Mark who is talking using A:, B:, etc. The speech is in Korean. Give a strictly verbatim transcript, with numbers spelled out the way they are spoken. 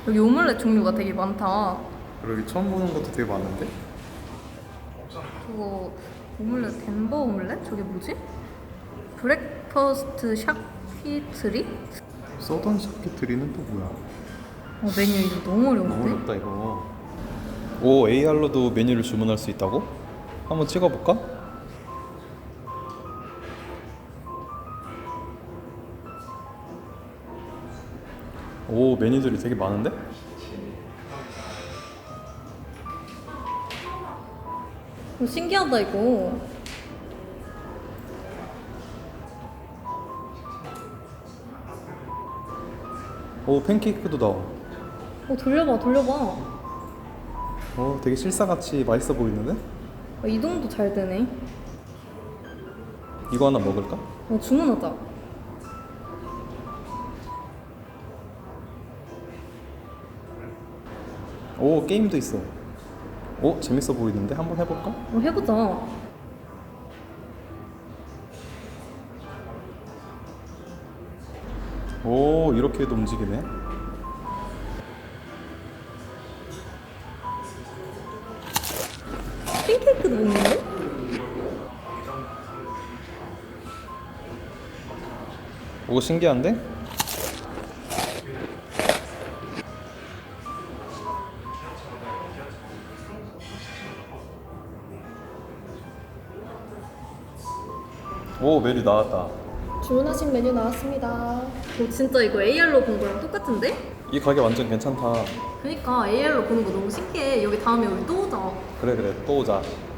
A: 여기 오믈렛 종류가 되게 많다.
B: 그리고 여기 처음 보는 것도 되게 많은데?
A: 저거 오믈렛 덴버 오믈렛? 저게 뭐지? 브렉퍼스트 샤키트리?
B: 서던 샤키트리는 또 뭐야?
A: 어, 메뉴 이거 너무 어려운데?
B: 너무 어렵다 이거. 오, 에이알로도 메뉴를 주문할 수 있다고? 한번 찍어볼까? 오, 메뉴들이 되게 많은데?
A: 어, 신기하다 이거.
B: 오, 팬케이크도 나와.
A: 어, 돌려봐 돌려봐.
B: 오, 되게 실사같이 맛있어 보이는데?
A: 어, 이동도 잘 되네.
B: 이거 하나 먹을까?
A: 어, 주문하자.
B: 오, 게임도 있어. 오, 재밌어 보이는데? 한번 해볼까?
A: 어, 해보자.
B: 오, 이렇게도 움직이네.
A: 팬케이크도 먹는데?
B: 오, 신기한데? 오, 메뉴 나왔다.
C: 주문하신 메뉴 나왔습니다.
A: 어, 진짜 이거 에이알로 본 거랑 똑같은데?
B: 이 가게 완전 괜찮다.
A: 그니까 에이알로 보는 거 너무 신기해. 여기 다음에 우리 또 오자.
B: 그래 그래, 또 오자.